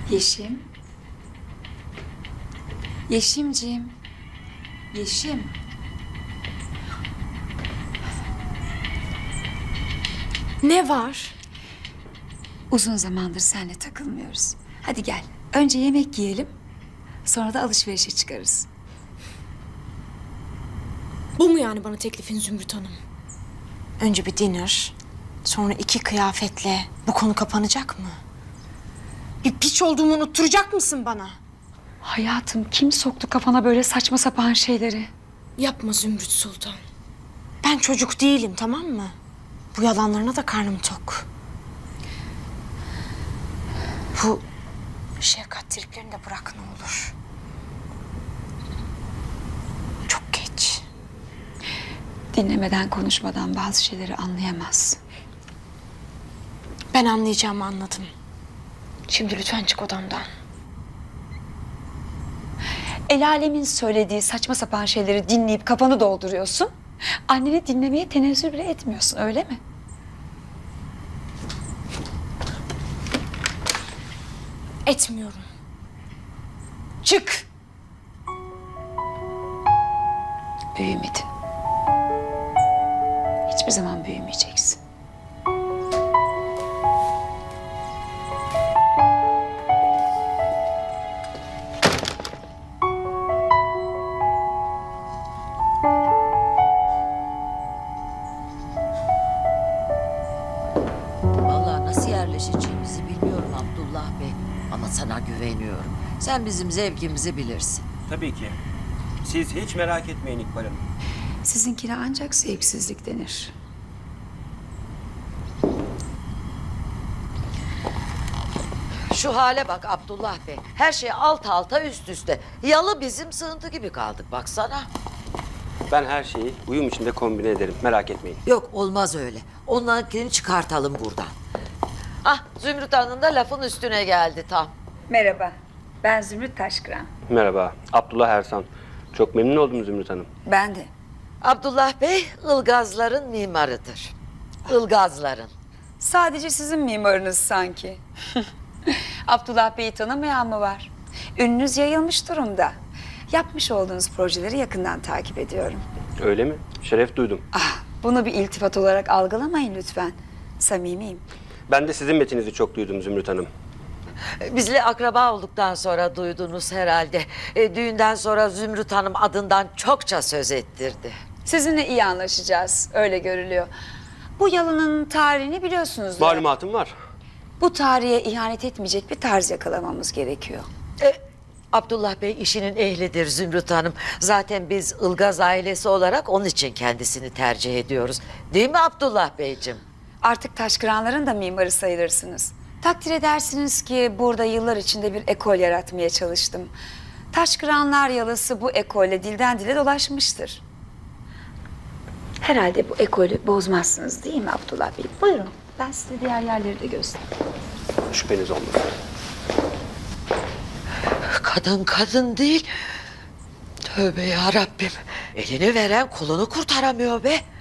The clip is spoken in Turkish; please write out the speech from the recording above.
Yeşim. Yeşimciğim. Yeşim. Ne var? Uzun zamandır seninle takılmıyoruz. Hadi gel. Önce yemek yiyelim. Sonra da alışverişe çıkarız. Bu mu yani bana teklifin Zümrüt Hanım? Önce bir dinner, sonra 2 kıyafetle bu konu kapanacak mı? Bir piç olduğumu unutturacak mısın bana? Hayatım, kim soktu kafana böyle saçma sapan şeyleri? Yapma Zümrüt Sultan. Ben çocuk değilim, tamam mı? Bu yalanlarına da karnım tok. Bu şefkat triplerini de bırak ne olur. Çok geç. Dinlemeden, konuşmadan bazı şeyleri anlayamaz. Ben anlayacağımı anladım. Şimdi lütfen çık odamdan. El alemin söylediği saçma sapan şeyleri dinleyip kafanı dolduruyorsun. Anneni dinlemeye tenezzül bile etmiyorsun, öyle mi? Etmiyorum. Çık! Büyümedin. Hiçbir zaman büyümeyeceksin. Vallahi nasıl yerleşeceğimizi bilmiyorum Abdullah Bey. Ama sana güveniyorum. Sen bizim zevkimizi bilirsin. Tabii ki. Siz hiç merak etmeyin İkbal Hanım. Sizinkine ancak zevksizlik denir. Şu hale bak Abdullah Bey. Her şey alt alta üst üste. Yalı bizim sığıntı gibi kaldık baksana. Ben her şeyi uyum içinde kombine ederim. Merak etmeyin. Yok olmaz öyle. Onlarınkini çıkartalım buradan. Ah Zümrüt Hanım da lafın üstüne geldi tam. Merhaba, ben Zümrüt Taşkıran. Merhaba. Abdullah Ersan. Çok memnun oldum Zümrüt Hanım. Ben de. Abdullah Bey Ilgazların mimarıdır. Ilgazların. Sadece sizin mimarınız sanki. Abdullah Bey'i tanımayan mı var? Ününüz yayılmış durumda. Yapmış olduğunuz projeleri yakından takip ediyorum. Öyle mi? Şeref duydum. Bunu bir iltifat olarak algılamayın lütfen. Samimiyim. Ben de sizin metinizi çok duydum Zümrüt Hanım. Bizle akraba olduktan sonra duydunuz herhalde. Düğünden sonra Zümrüt Hanım adından çokça söz ettirdi. Sizinle iyi anlaşacağız, öyle görülüyor. Bu yalının tarihini biliyorsunuz. Malumatım var. Bu tarihe ihanet etmeyecek bir tarz yakalamamız gerekiyor. Abdullah Bey işinin ehlidir Zümrüt Hanım. Zaten biz Ilgaz ailesi olarak onun için kendisini tercih ediyoruz. Değil mi Abdullah Beyciğim? Artık Taşkıranların da mimarı sayılırsınız. Takdir edersiniz ki burada yıllar içinde bir ekol yaratmaya çalıştım. Taşkıranlar yalısı bu ekolle dilden dile dolaşmıştır. Herhalde bu ekolü bozmazsınız değil mi Abdullah Bey? Buyurun, ben size diğer yerleri de göstereyim. Şüpheniz olmasın. Kadın kadın değil. Tövbe ya Rabbim. Elini veren kolunu kurtaramıyor be.